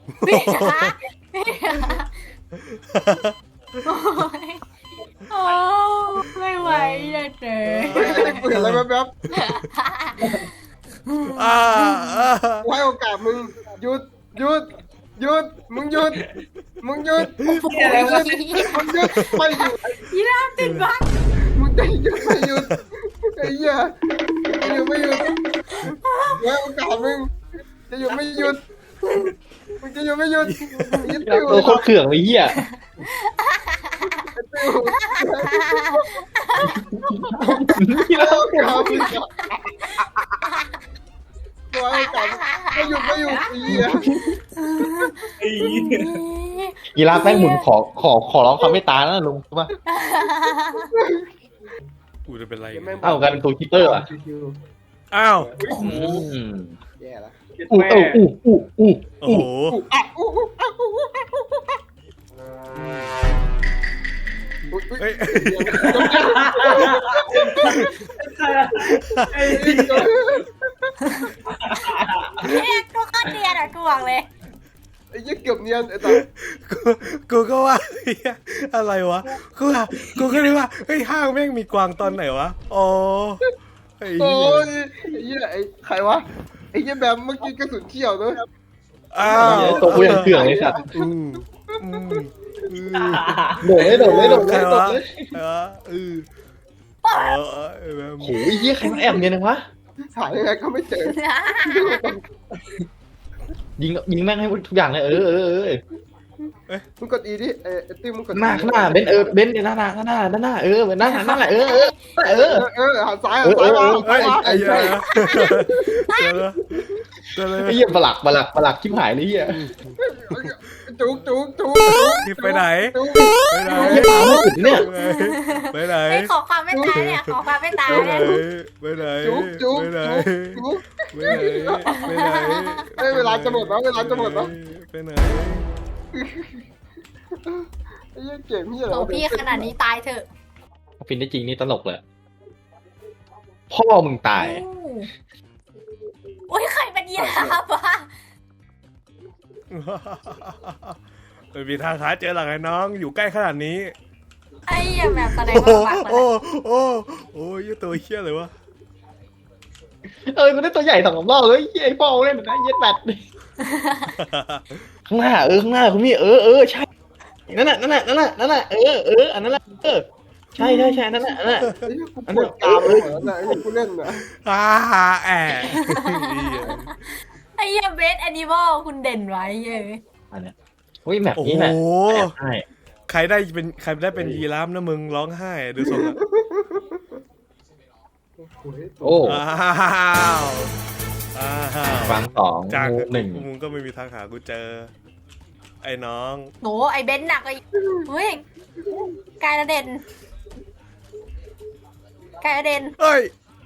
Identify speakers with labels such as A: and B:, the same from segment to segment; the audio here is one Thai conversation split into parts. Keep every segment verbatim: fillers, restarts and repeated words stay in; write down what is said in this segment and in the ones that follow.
A: พี่คะพี่คะโอ้ไม่ไหวเลยเจ๊
B: กูเห็นอะไรแป๊บ
C: อ่าอ่า
B: ๆกูให้โอกาสมึงหยุดหยุดหยุดมึงหยุดมึงหยุดมึงหยุดมึงหยุดไม่หยุด
A: ยีราฟติดบั๊ก
B: มึงจะหยุดไม่หยุดไอ้เหี้ยจะหยุดไม่หยุดกูให้โอกาสมึงจะหยุดไม่หยุดมึงจะหยุดไม่หยุดยึดติว
D: โดนโคตรเขื่องเลยเหี้ย
B: ติว
D: นี่แล้ว
B: กูให้โอกาสกูให้โอกาสไม่หยุดไม่หยุดไอ้เหี้ย
D: ยีราฟแม่งหมุนขอขอขอร้องความเมตตาแล้วลุงใช่ปะ
C: กูจะเป็นไร
D: เอ้ากันตัวคิปเปอร์อ่ะ
C: อ้าว
D: อืม
B: แย่ละ
D: อู้เอ้าอู้อู้อู้
C: โอ้โห เฮ้ย
A: เนี่ยตัวข้าเดียนอ่ะกูบอกเลย
B: ไอ้ยี่เกือบเนียนไอ้ตา
C: กูกูก็ว่าเหี้ยอะไรวะกูว่ากูก็เลยว่าเฮ้ยห้างแม่งมีกวางตอนไหนวะอ๋อไอ้
B: โอ้
C: เหี้ย
B: ยไอ้ยี่ไอ้ใครวะไอ้ยี่แบมเมื่อกี้กระสุนเที่ยวเนอะ
C: อ้าว
D: ตัวกูยังเขื่องเลยสัตว์
C: อืมอืมอืม
D: โดดเลยโดดเลยโดด
C: ใค
D: เล
C: ร
D: ยโด
C: วะ
D: ดเลย
C: ใครวะเออเออเออแบบ
D: โหเหี้ยใครมาแอบเนี่ยนะวะ
B: หายังไงก็ไม่เจอ
D: ยิงยิงแม่งให้ทุกอย่างเลยเออเออเออ
B: มึงกดอีดิไอ้ไอ้ติ้มมึงกด
D: หน้าข้างหน้าเบนเออเบนหน้าหน้าหน้าหน้าหน้าหน้าเออหน้าหน้าหน้าเออเออเอ
B: เอ
D: อ
B: อเออหันซ้ายหันซ้ายมาหัน
C: เฮ้
B: ซ้าย ยมา
C: ไอ้เหี้ยเจอแล้วเจอแล้ว
D: ไอ้เหี้ยประหลักประหลักประหลักชิบหายเลยเหี้ย
B: จุกจุกจุก
C: ที่ไปไหน
B: จุก
C: ไปไหน
D: เหี้ยตามไม่ถึงเนี่ย
C: ไปไหน
A: ไอ้ขอความไม่ตายเนี่ยขอความไม่ตาย
C: ไปไหน
A: เนี่ย
C: ไปไหน
B: จุกจุก
C: ไปไหน
B: จุก
C: ไปไหนไปไหน
B: เฮ้ยเวลาจะหมดแล้วเวลาจะหมดแล้ว
C: ไปไหน
B: ไอ้ยี่เก่งพี่อะไร
A: โอ้พี่ขนาดนี้ตายเถอะ
D: ฟินได้จริงนี่ตลกเลยพ่อมึงตาย
A: โอ้ยใครเป็นยีราฟวะ
C: ไม่มีทางหาเจอหลังไอ้น้องอยู่ใกล้ขนาดนี้
A: ไอ้เหี้ยแบบแสดง
C: โอ้
A: ว่าปาก
C: โอ้โอ้โอ้ยตัวเชี่ยเลยวะ
D: เออกูได้ตัวใหญ่สองรอบเลยไอ้พ่อเล่นนะเย็ดแบดข้างหน้าเออข้างหน้าคุณพี่เออเออใช่นั่นน่ะนั่นน่ะนั่นน่ะนั่นน่ะเออเอออันนั้นแหละเออใช่ใช่ใช่นั่นน่ะนั่นน่ะ
B: ไอ้ยี่กูปวดกรามเลยเหมือนนะไอ้ยี่กูเล่นนะ
C: ฮ่าแอะ
A: ไอ้เหี้ยเบสแอนิมอลคุณเด่นไว้เย้ย
D: อันเนี้ยเฮ้ยแบบ
C: โอ้
D: นี้
C: โห
D: แหละใช่
C: ใครได้เป็นใครได้เป็นยีราฟนะมึงร้องไห้ดูทรงอะ
D: โอ้
C: อ้าวอ้าว
D: ฟังสอง
C: จาก
D: งูหนึ่ง
C: มึงก็ไม่มีทางหากูเจอ ไอ้น้อง
A: โหไอ้เบนซ์หนักไอ้เฮ้ยกายระเด่นกายระเด่น
C: เอ้ย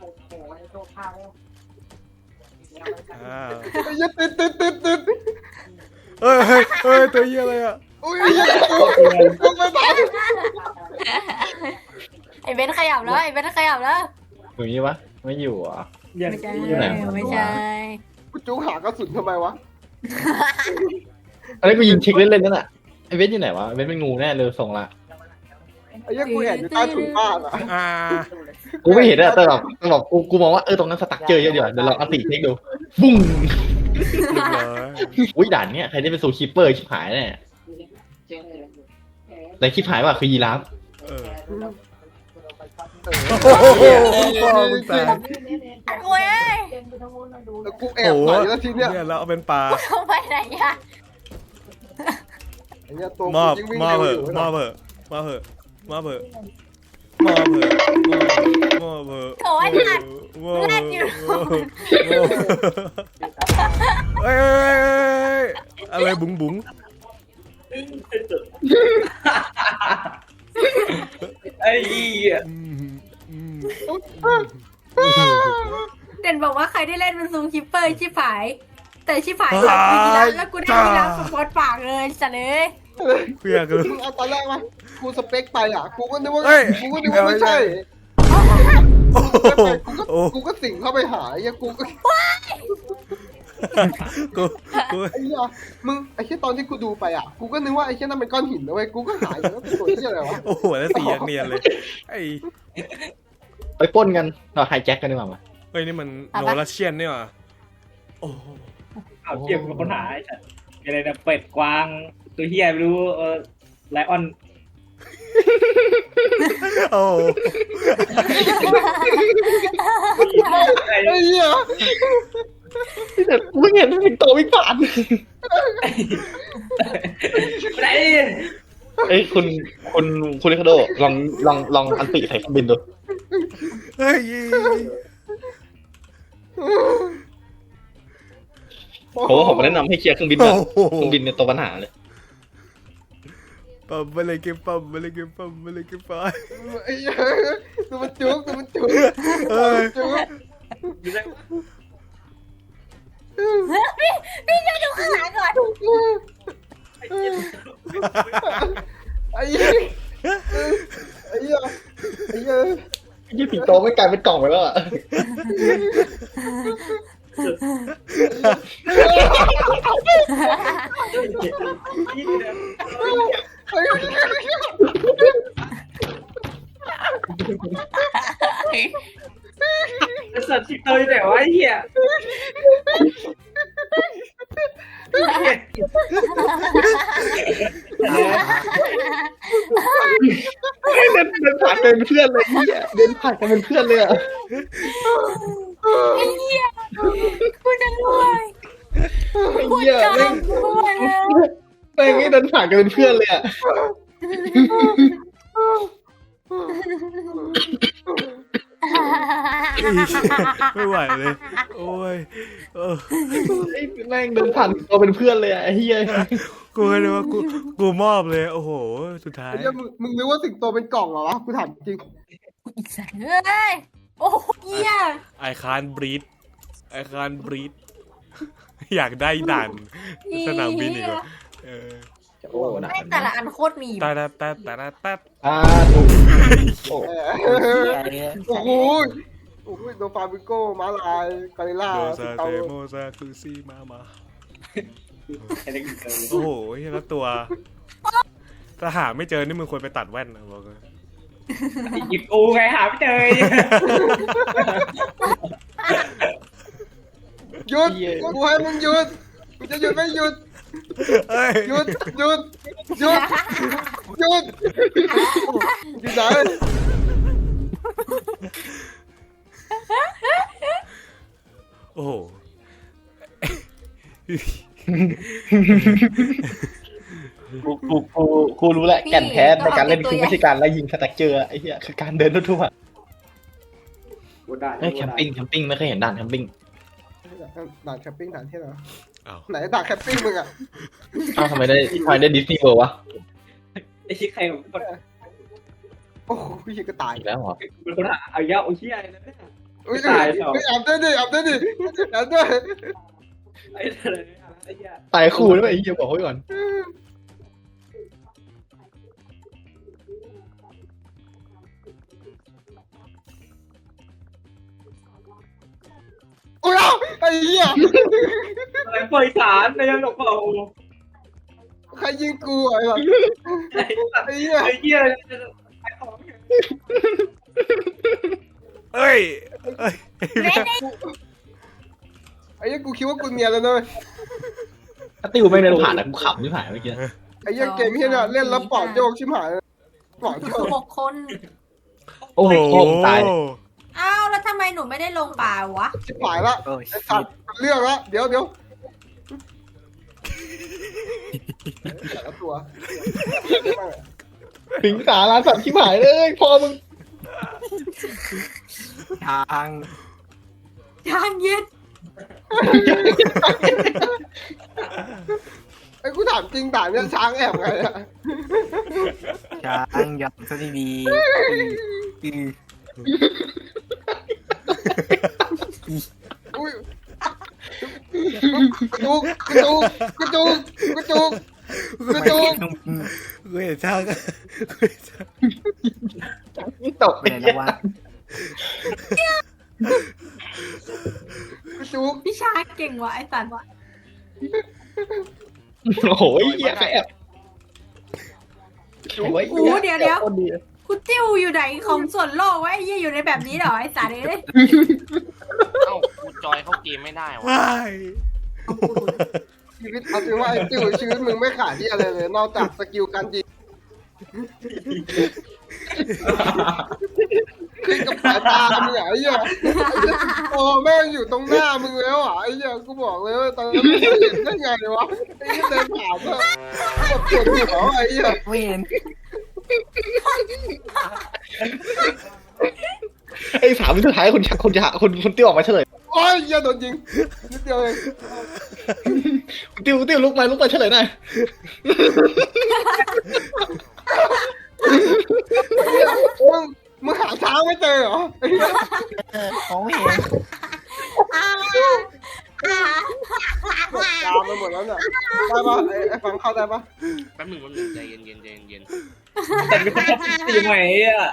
C: อ้าว
B: ไอ้ยี่ติดติดติดติด
C: เฮ้ยเฮ้ยเฮ้ยตัวเหี้ยอะไรอะ
B: อุ้ยไอ้ยี่กูกูไม่ทัน
A: ไอ้เบนซ์ขยับแล้วไอ้เบนซ์ขยับแล้ว
D: อยู่นี่วะไม่อยู่อ่ะ
A: ไม่ใช่
D: อยู่ไหนวะ
A: ไม่ใช่
B: กูจุกหากระสุนทำไมวะ
D: อะไรกูยิงเช็คเล่นๆนั่นน่ะไอ้เวทอยู่ไหนวะเวทเป็นงูแน่เลยส่งละ
B: ไอ้ยี่กูแอบอยู่ใต้ถุนบ้านอ่ะ
C: อ่า
D: กูไม่เห็นอะแต่แบบแต่แบบกูกูมองว่าเออตรงนั้นสตั๊กเจอเยอะเดี๋ยวเดี๋ยวเราเอาติเช็คดูบุ้ง
C: เรียบร้อย
D: อุ้ยด่านเนี้ยใครได้เป็นโซคีเปอร์ชิบหายแน่แต่ชิบหายว่าคือยีราฟ
C: เออ
B: โอ้โห
C: พ่อมึงตาย
A: โอ้ย
B: กูแอบไหนแล้วทีเนี้ย
C: เนี่ยเราเอาเป็นปลา
A: ทำไมไหนอะ
B: ไอ้เนี่ยตัว
C: มอบ
B: กูยิ่งวิ่ง
C: มอบ
B: เร็ว
C: เห
B: อ
C: อะ
B: ยู่
C: มอบเหอะมอบเหอะมอบเหอะมอบเหอะมอบเหอะ
A: โถไอ้สัตว์
C: มอบเหอะ
A: แรกอยู่
C: มอบเหอะเอ้ยเอ้ยเอ้ยเอ้ยอะไรบุ๋งบุ๋ง
E: ไอ้เหี้ย
C: อืมอืม
A: เด่นบอกว่าใครได้เล่นเป็นซูมคิปเปอร์ชิบหาย แต่ชิบหายแบบกูยีราฟแล้วกูได้ยีราฟสปอตปากเลยสัตว์เลย
C: เพี้ยคือ
B: มึงเอาตอนแรกมากูสเปคไปอ่ะกูก็นึกว่า
C: เฮ้ย
B: กูก็นึกว่าไม่ใช่
C: โอ้โห
B: กูก็
C: โอ้
B: กูก็สิ่งเข้าไปหาไอ้เหี้ยกูก็
C: กูกู
B: ไอ้เหี้ยมึงไอ้เหี้ยตอนที่กูดูไปอ่ะกูก็นึกว่าไอ้เหี้ยนั่นเป็นก้อนหินนะเว้ยกูก็หายแล้วเป็นตัวเหี้ยอะไรวะ
C: โอ้โหแล้วสีอย่างเนียนเลยไอ้
D: ไปปล้นกันเราไฮแจ็คกันดีกว่ามา
C: เฮ้ยนี่มันโนรัสเชียนนี่หว่าโอ้โห
E: เอาเกี่ยวกับปัญหาไอ้สัตว์อะไรนะเป็ดกวางตัวเฮียไม่รู้เออไลออน
C: โอ้โห
E: ไอ้
B: ไอ้เหี้ย
D: แต่กูไม่เห็นสิงโตวิ่งผ่าน
E: ไอ้
D: เอ้ยคุณคุณคุณลิคาโดลองลองลองอันติใส่เครื่องบินดู
C: เฮ้ย
D: ผมว่าผมแนะนำให้เคลียร์เครื่องบิน
C: โอ้
D: ก่อน
C: โห
D: เครื่องบินเนี่ยตัวปัญหาเลย
C: ปั๊มมาเลยเก็บปั๊มมาเลยเก็บปั๊มมาเลยเก็บปั๊ม
B: ไอ้เหี้ยตัวมันจุกตัวมันจุก
C: เอ้ย
B: จุก
A: พี่พี่ช่วยดูข้างหลังก่อน
B: ไอ้เหี้ยไอ้เหี้ยไอ้เหี้ย
D: ยี่สิงโตไม่กลายเป็นกล่องไปแล้วอ่ะ
B: ไอ้เหี้ย
E: สัตว์สิงโตอยู่ไหนวะไอ้เหี้ย
D: เดินเดินผ่านกันเป็นเพื่อนเลยเฮียเดินผ่านกันเป็นเพื่อนเลยอ่ะ
A: ไอ้เหี้ยคุณจะรวย
D: ไอ้
A: คุณ
D: เหี้ย
A: จะ
D: แม่ง
A: รวยแล้ว
D: แม่งไม่เดินผ่านกันเป็นเพื่อนเลยอ่ะ
C: ไม่ไหวเลย โอ้ยเออ
D: แม่งเดินผ่านตัวเป็นเพื่อนเลยอ่ะไอ้เฮีย
C: กูเลยว่ากูกูมอบเลย โอ้โห สุดท้าย
B: ไอ้เหี้ยมึงมึงนึกว่าสิงโตเป็นกล่องเหรอวะกูถามจริง
A: อีกสัตว์เอ้ยโอ้เหี้ย
C: ไอคานบรีดไอคานบรีดอยากได้ด่านสนามบินอีกว่ะเออ
D: โอ้หนัก
A: แม่งแต่ละอันโคตรมี
C: ตาตาตาตาตา
D: อ่าถูกโอ้
B: เออโอ้โหโอ้โหโดฟาบิโก้ม้าลายกาลิล่า
C: โด
B: สิ
C: ซาง
B: โต
C: เตโมซาคือซีมามา
E: ไอ้เด็กเกิน
C: โอ้โหแล้วตัว ถ้าหาไม่เจอนี่มึงควรไปตัดแว่นนะบอกเลย
E: หยิบกูไงหาไม่เจอ
B: หยุดกูให้มึงหยุดมึงจะหยุดไม่หยุด
C: เอ้ย
B: หยุดหยุดหยุดหยุดอยู่ไหน
C: โอ้โห
D: กูกูกูกูรู้แหละแก่นแท้ในการเล่นคือไม่ใช่การไล่ยิงสแต็กเจอร์ไอ้เหี้ยคือการเดินทั่วๆ
E: กูได้
D: เฮ้ยแคมปิ้งแคมปิ้งไม่เคยเห็นด่านแคมปิ้ง
B: ด่านแคมปิ้งด่านที่ไหน
C: อ้าว
B: ไหนด่านแคมปิ้งมึงอ่ะ
D: อ้าวทำไมได้ทำไมได้ดิสนีย์เวิลด์วะ
E: ไอ้ชี้ใครเป็น
B: โอ้โหพี่ก็ตาย
D: อีกแล้วเหรอ
E: คนหาเอาเยอะโอ้เหี้ยอะไรนะเนี่ย
B: อุ้ย
E: ตายเหรอ
B: แอบด้วยดิแอบด้วยดิแอบด้วย
E: ไอ้อะไรไอ้เหี้ย
D: ตายคู่ด้วยไอ้เหี้ยบอกไว้ก่อน
B: โอ้ยไอ้เหี้ย
E: อะไรปล่อยสารในยังหลอกเปล่า
B: ใครยิงกูไอ้หรอ
E: ไอ้สัตว์
B: ไอ้เหี้ย
E: ไอ้เหี้ยอะไรไอ้ของ
C: เอ้ยเอ้ย
A: เล่นไอ้
B: ไอ้เหี้ยกูคิดว่ากูเนียนแล้วนะ
D: ถ้าติวไม่งเดินผ่านนะกูขำไม่ผ่านเมื่อกี้
B: ไอ้เหี้ยเกมที่เนี่ยเล่นแล้วปอดโยกชิบหายปอดโยก
A: หกคน
D: โอ้โหตาย
A: อ้าวแล้วทำไมหนูไม่ได้ลงป่าวะ
B: ชิบหายละไอ้สัตว์เรื่องละเดี๋ยวเดี๋ยวแต่ละตัว
D: ถึงสาราสัตว์ชิบหายเลยพอมึง
F: ทาง
A: ทางเย็น
B: ไอ้กูถามจริงด่านเนี่ยช้างแอบไงอะ
F: ช้างยับซะดีๆอือ
B: อุ้ยกระตุกกระตุกกระตุกกระตุกกระตุก
C: กูเห็นช่างกูเห็นช่าง
D: ตก
F: ไปไหนแล้ววะ
B: จุก
A: พี่ชาเก่งว่ะไอ้สัตว์ว่ะ
D: โอ้โหเหี้ยแอบโอ้ย
A: โอ้เดี๋ยวเดี๋ยวกูจิ้วอยู่ไหนของส่วนโลกวะไอ้เหี้ยอยู่ในแบบนี้เหรอไอ้สัตว์เอ้ย
G: เอ้ากูจอยเข้าเกมไม่ได้วะ
C: ว้าย
B: ชีวิตเอาจริงว่าไอ้จิ๋วชีวิตมึงไม่ขาดที่อะไรเลย นอกจากสกิลการยิงขึ้นกับสายตามึงอ่ะไอ้เหี้ยโอ้แม่งอยู่ตรงหน้ามึงแล้วอ่ะไอ้เหี้ยกูบอกเลยว่าตอนนั้นมึงเห็นได้ไงวะไอ้เหี้ยเดินผ่านอ่ะแบบปวดหัวไอ้เหี้ย
F: ไม่เห็น
D: ไอ้สามวิสุดท้ายคนจะคนจะคนคนติ้วออกมาเฉลย
B: โอ้ยเหี้ยโดนยิงนิดเดียวเอง
D: คุณติ้วคุณติ้วลุกมาลุกมาเฉลยหน่อย
B: มึงมึงหาช้างไม่เจอเหรอไอ้เหี้ย
F: ของไม่เห็น
B: ตามไปหมดแล้วเนี่ยได้ปะไอ้ไอ้ฟังเข้าได้ปะ
G: แป๊บหนึ่งแป๊บหนึ่งใจเย็นเย็นใจเย็น
E: แต่เป็นคนชอบตีใหม่อ่ะ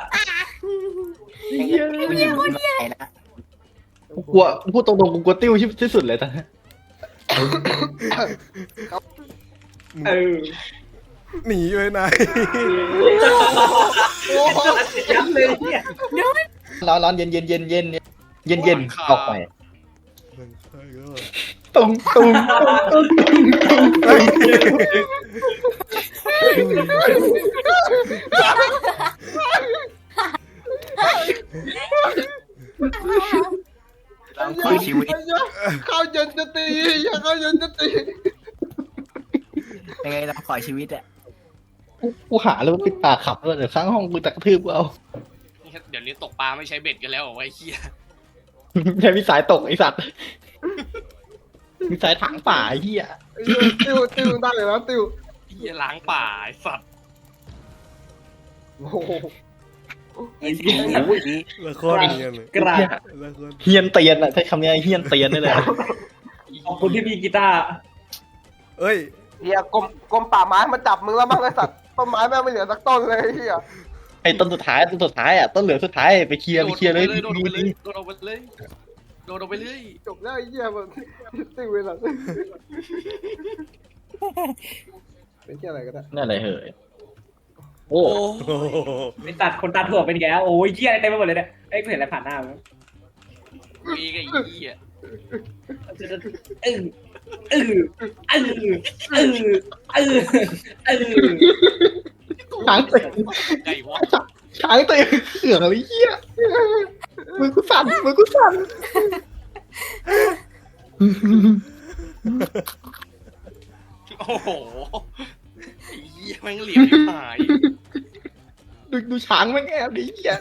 F: กูยิงคนใหญ่ละ
D: กูกลัวพูดตรงๆกูกลัวติ้วที่สุดเลยตอนนี้
E: เออ
C: หนีไปไหน
B: โอ้โห
E: ยับเลยเนี่ย
D: ร้อนร้อนเย็นเย็นเย็นเย็นเย็นเย็นออกไป
C: มันใช่ก็
D: ตุ้งตุ้งตุ้งตุ้งตุ้ง
F: เราขอชีวิต
B: เข้าเย็นจะตีอย่าเข้าเย็นจะตี
F: ยังไงเราขอชีวิตอะ
D: กูหาแล้วปิดปากขับเลยเดี๋ยวข้างห้องกูตะกระทืบกูเอา
G: เดี๋ยวนี้ตกปลาไม่ใช้เบ็ดกันแล้วเหรอวะไอ้เหี้ย
D: ใช้วิสายตกไอสัตว์วิสายถางป่าไอ้เหี้ย
B: ติวติวได้เลยนะติว
G: ไอ้เหี้ยล้างป่าไอ้สัตว์
B: โอ้โห
E: ไอ้เหี้ย
C: ละครเนียนเลย
E: กระดาษ
C: ละคร
D: เฮียนเตียนอะใช้คำนี้เฮียนเตียนได้เลย
E: ขอบคุณที่มีกีตาร์
C: เอ้ย
B: เฮียกรมกรมป่าไม้มาจับมึงแล้วมั้งไอ้สัตว์ต้นไม้แม่งไม่เหลือสักต้นเลยเฮีย
D: ไอ้ต้นสุดท้ายต้นสุดท้ายอ่ะต้นเหลืองสุดท้ายไปเคลียร์ไปเคลียร์เลย
G: โดดออกไปเลยโดดออกไปเลยโดดออกไปเลย
B: จบแล้วไอ้เฮียมันติวเลยล่ะเป็นเฮียอะไรก็ได้
D: นั่นอะไรเหยโอ้
G: โอ้
C: โอ้โห
E: ไปตัดคนตัดถั่วเป็นแกโอ้ยเหี้ยอะไรเต็มไปหมดเลยเนี่ยไอ้กูเห็นอะไรผ่านหน้ามั้ย
G: มีไอ้เหี้ย
E: เออเออเออเออเออเออ
D: ช้างเตะ
G: ไก่วะ
D: ช้างเตะเขื่องอะไรเหี้ยมือกูสั่นมือกูสั่น
G: โอ้โหไอ้เหี้ยแม่งเหลี่ยมที่หาย
D: ดูดูช้างแม่งแอบดิเหี้ย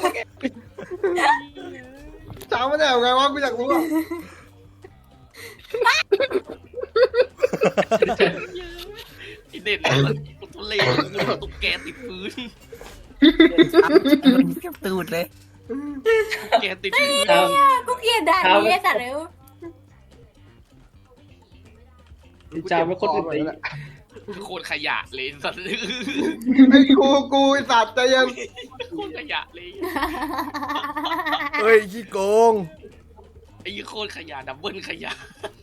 B: ช้างไม่ได้เอาไงวะกูอยากรู้อ่ะ
G: ไอ้เด่นเนี่ยตุ๊กเล่ตุ๊กแกติดพื้น
F: เก็บตูดเลย
G: แกติดพื้น
A: กูเกลียดด่านนี้ไอ้สัตว์เอ้ย
E: จ้าไม่คนอื่นตี
G: โคตรขยะเลยสัตว์
B: ไอ้กูกูไอ้สัตว์ใจเย็น
G: โคตรขยะเลย
C: เอ้ยขี้โกง
G: ไอ้โคตรขยะดับเบิลขยะ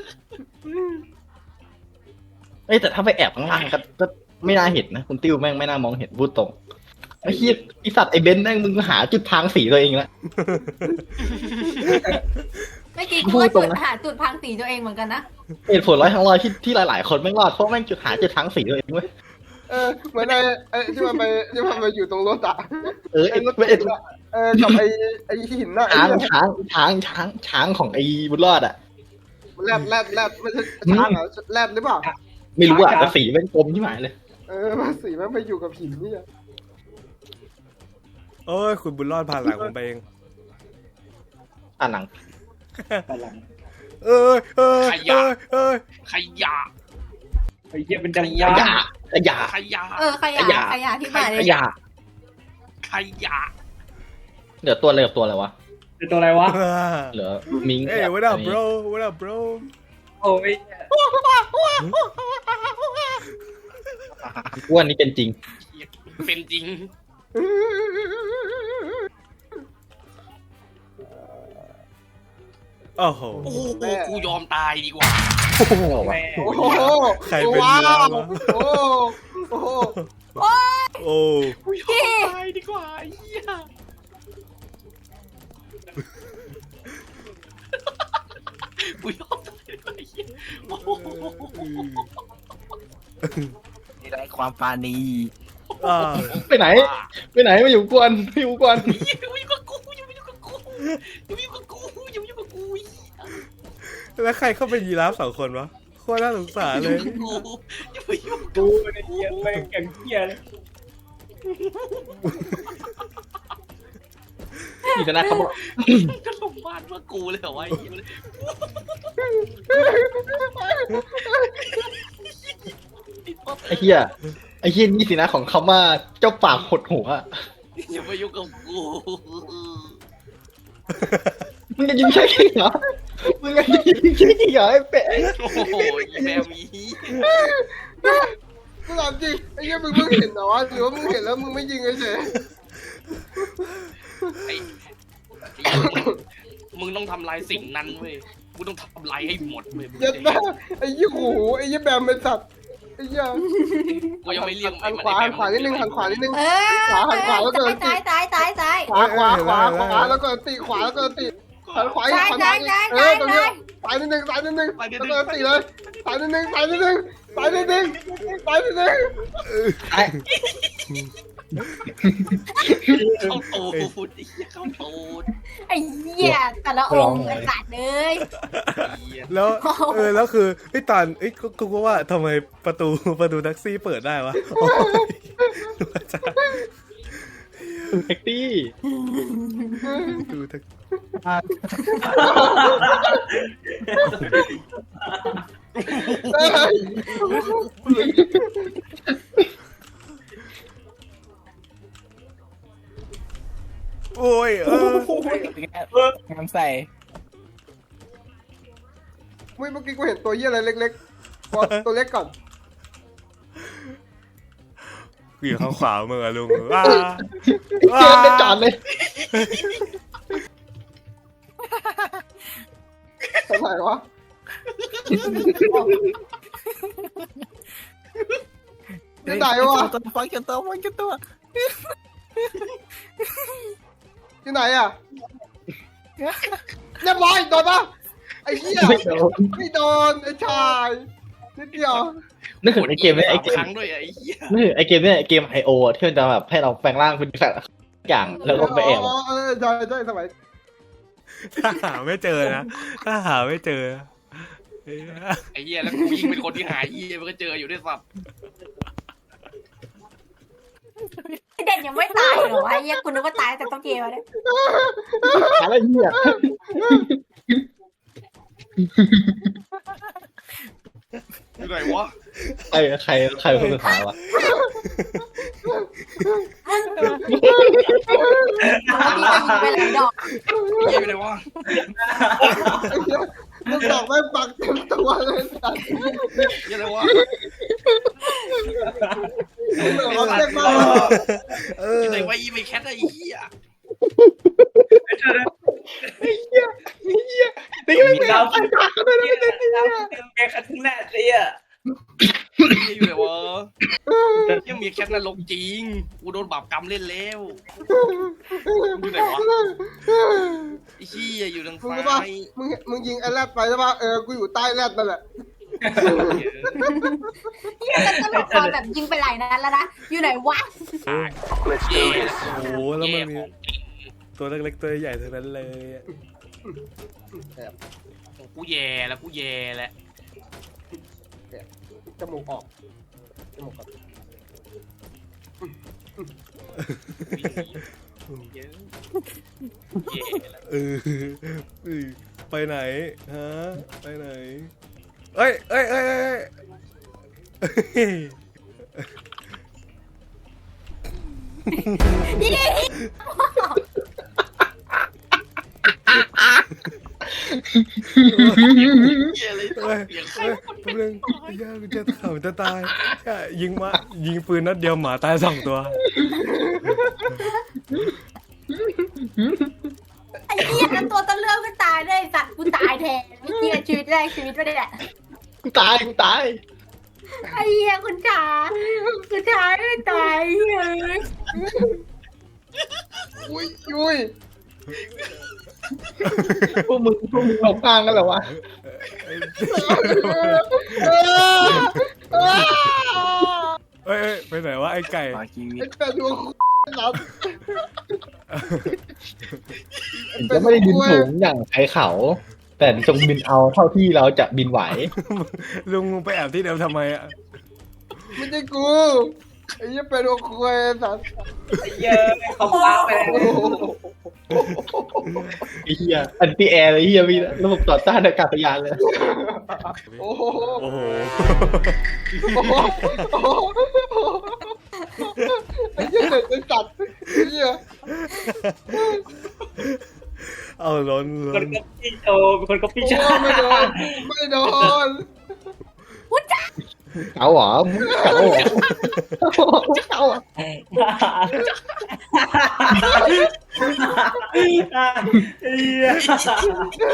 D: เอ้ยแต่ถ้าไปแอบข้างล่างก็ก็ไม่น่าเห็นนะคุณติ้วแม่งไม่น่ามองเห็นพูดตรงไอ้เหี้ยไอสัตว์ไอ้เบนซ์แม่งมึงหาจุดทางสีตัวเองละ
A: เมื่อกี้
D: พู
A: กู
D: ด
A: ก็
D: ตร
A: จุ
D: ง
A: ด
D: นะ
A: หาจุดพังสีตัวเองเหมือนกันนะ
D: เหตุผลร้อยทั้งร้อยที่ที่หลายๆคนแม่งรอดเพราะแม่งจุดหาจุดทางสีตัวเองเว้ย
B: เออเหมือนไอ้ไอ้ที่มันไปที่มันไปอยู่ตรงรถอ่ะ
D: เออไอ้
B: ไอ้รถ
D: ไอ้
B: เออกับไอ้ไอ้หินน่ะไอ้
D: ช้าง
B: เหี้ย
D: ช้างช้างช้างช้างของไอ้บุญรอดอ่ะ
B: แรดแรดแรดไม่ใช่ช้างเหรอแรดหรือเปล่า
D: ไม่รู้อ่ะแต่สีเป็นกลมที่หมายเลย
B: เออมันสีมันไปอยู่กับหินนี่อะ
C: เอ้ยคุณบุญรอดผ่านหลังผมไปเอง
D: อ่านหนัง
C: เอ้ยเอ้ยเอ้ยเอ้ย
G: ขยะ
E: ไอ้เหี้ยเป็นจัง
D: ข
E: ยาย
D: ะขยะ
G: ขยะ
A: เออขยะ
D: ขยะ
A: ขยะที่หมายเล
D: ข
A: ย
D: ยะ
G: ขยะ
D: เหลือตัวอะไรกับตัวอะไรวะ
E: เป็นตัวอะไรวะ
D: เหลือมิง
C: เอ้ย what up bro what up bro
E: โอ้ย
D: อ้วนนี่เป็นจริง
G: เป็นจริง
C: โอ้โห
G: โอ้โหกูยอมตายดีกว่า
E: แม่
B: โอ้โห
C: ใครเป็น
B: ว้า
C: ยีราฟ
B: ว
C: วะ
B: โอ้โห
C: โอ้
G: กูยอมตายดีกว่าไอ้เหี้ยกูยอมตายดีกว่าไอ้เหี้ยโอ้โห
F: นี่ได้ความปราณี
C: อ่า
D: ไปไหน ไปไหนมาอยู่กวนมาอยู่กวน
G: อย่ามายุ่งกับกูอย่ามายุ่งกับกูอย่ามายุ่งกับกูอย่ามายุ่งกับกู
C: แล้วใครเข้าเป็นยีราฟสองคนวะโคตรน่าสงสารเลย
G: อย่ามายุ่งกับ
E: กูในเหี้ยแม่งแกงเหี้ยเลย
D: นี่จะนะเขาบอก
G: กูจะลงบ้านเพื่อกูเลยเหรอวะไอ้เหี้ย
D: ไอ้เหี้ยไอ้เหี้ยนี่สินะของเขาว่าเจ้าปากหดหัว
G: อย่ามายุ่งกับกู
D: มึงจะยิงใช่เหรอมึงจะยิงใช่เหรอไอ้เป็ด
G: โอ้โหอีแมวมี
B: กูถามจริงไอ้เหี้ยมึงเพิ่งเห็นเหรอวะหรือว่ามึงเห็นแล้วมึงไม่ยิงเฉย
G: ไอ้มึงต้องทำลายสิ่งนั้นเว้ยกูต้องทำลายให้หมดเว้ย
B: ๆเย็ดแม่ไอ้ยี่หูไอ้ยี่แบมเป็นสัตว์ไอ้เหี้ย
G: กูยังไม่เรียก
B: หันขวาหันขวานิดนึงหันขวานิดนึง
A: เออ
B: ขวาหันขวาแล้วเดิน
A: ซ้ายซ้ายซ้ายซ้าย
B: ขวาขวาขวาขวาแล้วก็ตีขวาแล้วก็ตีหันขวาอีกหันขวาอีกเออตรงนี้สายนิดนึงสายนิดนึงแล้วก็ตีเลยสายนิดนึงสายนิดนึงสายนิดนึงสายนิดนึง
D: ไอ้
G: เข้าตูดไอ้เหี้ยเข้าตูด
A: ไอ้เหี้ยแต่ละองค์ไอ้สัตว์เลย
C: แล้วเออแล้วคือไอ้ยตอนไอ้ยกูกูก็ว่าทำไมประตูประตูแท็กซี่เปิดได้วะโอ้ยดูอาจารย์
D: แท็กซี่
C: ดูแท็กโอ้ยเออ
F: งามใส่
B: เมื่อกี้กูเห็นตัวเหี้ยอะไรเล็กๆบอกตัวเล็กก่อน
C: กูอยู่ข้างขวามือลุงว้า
D: เจอได้จอดเลย
B: ทำไมวะ ที่ไหนวะ
F: ตัวฟังกันตัวฟังกันตัว
B: ที่ไหนอ่ะเรียบร้อยโดนปะไอ้เหี้ย
D: ไม่โดน
B: ไม่โดนไอ้ชายนิดเดียว
D: นึกถึงไอ้เกมเนี่ยไอ้เก
G: ค
D: ม
G: รั้งด้วยไอ้เหี้ย
D: นึกถึงไอ้เกมเนี่ยไอ้เกมไอโอที่มันจะแบบให้เราแปลงร่างเป็นสัตว์อย่างแล้วก็ไปแอบ
B: อ๋อเออใช่ใช่สมัย
C: ถ้าหาไม่เจอนะถ้าหาไม่เจอเอ้ย
G: ไอ้เหี้ยแล้วกูยิงเป็นคนที่หายเหี้ยมันก็เจออยู่ด้วยสัตว์
A: ไอ้เด่นยังไม่ตายเหรอวะไอ้เหี้ยกูนึกว่าตายแต่ต้องเกมแล้วเนี่ย
D: อะไรเนี่ย
G: อยู่ไหนวะ
D: ใครใครใครเป็นคนสุดท้ายวะ
A: พี่จะยิงไปหลายดอก
G: เหี้ยอยู่ไหนวะ
B: ไอ้เหี้ยลูกดอกแม่งปักเต็มตัวเลยสัตว์
G: เหี้ยอะไรวะ
B: ลูกดอกเล็กมาก
C: เอ
G: อ
C: อยู่
G: ไหนวะอีไม่แคทไอ้เหี้ย
D: นี่ไม่เป็น
E: ดาวดาวดาวแกคัดทิ้งแน่เลยอ่ะ
G: เหี้ยอยู่ไหนวะเหี้ยมีแคทนรกจริงกูโดนบาปกรรมเล่นแล้วอยู่ไหนวะไอ้เหี้ยอยู่ทาง
B: มึง
G: ซ้า
B: รู้ป่ะ
G: ย
B: มึงมึงยิงไอ้แรดไปใช่ป่ะเออกูอยู่ใต้แรดนั่นแหละ
A: เหี้ยแต่ตลกตอนแบบยิงไปหลายนัดแล้วนะอยู่ไหนวะ
G: เย่
C: โอ้โหแล้วมันมีตัวเล็กๆตัวใหญ่ทั้งนั้นเลยอะ
G: กูแย่แล้วกูแย่แล้ว
B: จมูกออกจมูกออก
G: เย่แล้ว
C: เออเออไปไหนฮะไปไหนเอ้ยเอ้ยเอ้ยเอ้ยเอ้ย
A: นี่
G: เย่เลย
C: เอ้ย
G: เสียงใคร
C: เอ้ยแป๊บนึงย่ากูจะข่าวจะตายย่ายิงมายิงปืนนัดเดียวหมาตายสองตัว
A: ไอ้อ้เหี้ยแล้วตัวต้นเรื่องก็ตายเลยสัตว์กูตายแทนเมื่อกี้ชีวิตแรกชีวิตไม่ได้แหละ
D: กูตายกูตาย
A: ไอ้เหี้ยคุณชาคุณชาไม่ตายเฮ้ย
B: อุ้ยอุ้ย
D: พวกมึงพวกมึงหลงทางกันเหรอวะ
C: เอ้ยเอ้ยไปไหนวะไอ้ไก่
F: ต่อชีวิต
B: ไอ้แปดดวงรับ
D: ถึงจะไม่ได้บินสูงอย่างใครเขา แต่จงบินเอาเท่าที่เราจะบินไหว
C: ลุงลุงไปแอบที่เดิมทำไมอ่ะ
B: ไม่ใช่กูไอ้เหี้ยแปดดวงคุยสัตว์
E: ไอ้เหี้ยเขาฟ้าไปแล้ว
D: ไอ้เหี้ยอันตี้แอร์เลยไอ้เหี้ยมีระบบต่อต้านอากาศยานเลย
B: โอ้โห
C: โอ้โห
B: โอ้โหโอ้โหไอ้เหี้ยเด็กไอ้สัตว์ไอ้เหี้ย
C: เอาล้น
E: ค
C: ล้
E: น
C: น
E: ก็พี่โจเป็นคนก็พี่
B: โอ้
E: ชา
B: ไม่โดนไม่โดน
D: เขาเหรอเขาเหรอเขาเหรอ
E: ไอ้เหี้ย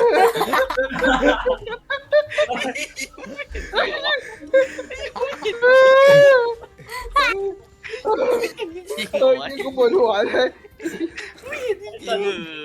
G: จริง
B: เฮ้ย
G: วะ
B: นี่กูปวดหัวเลย
G: จริงเออ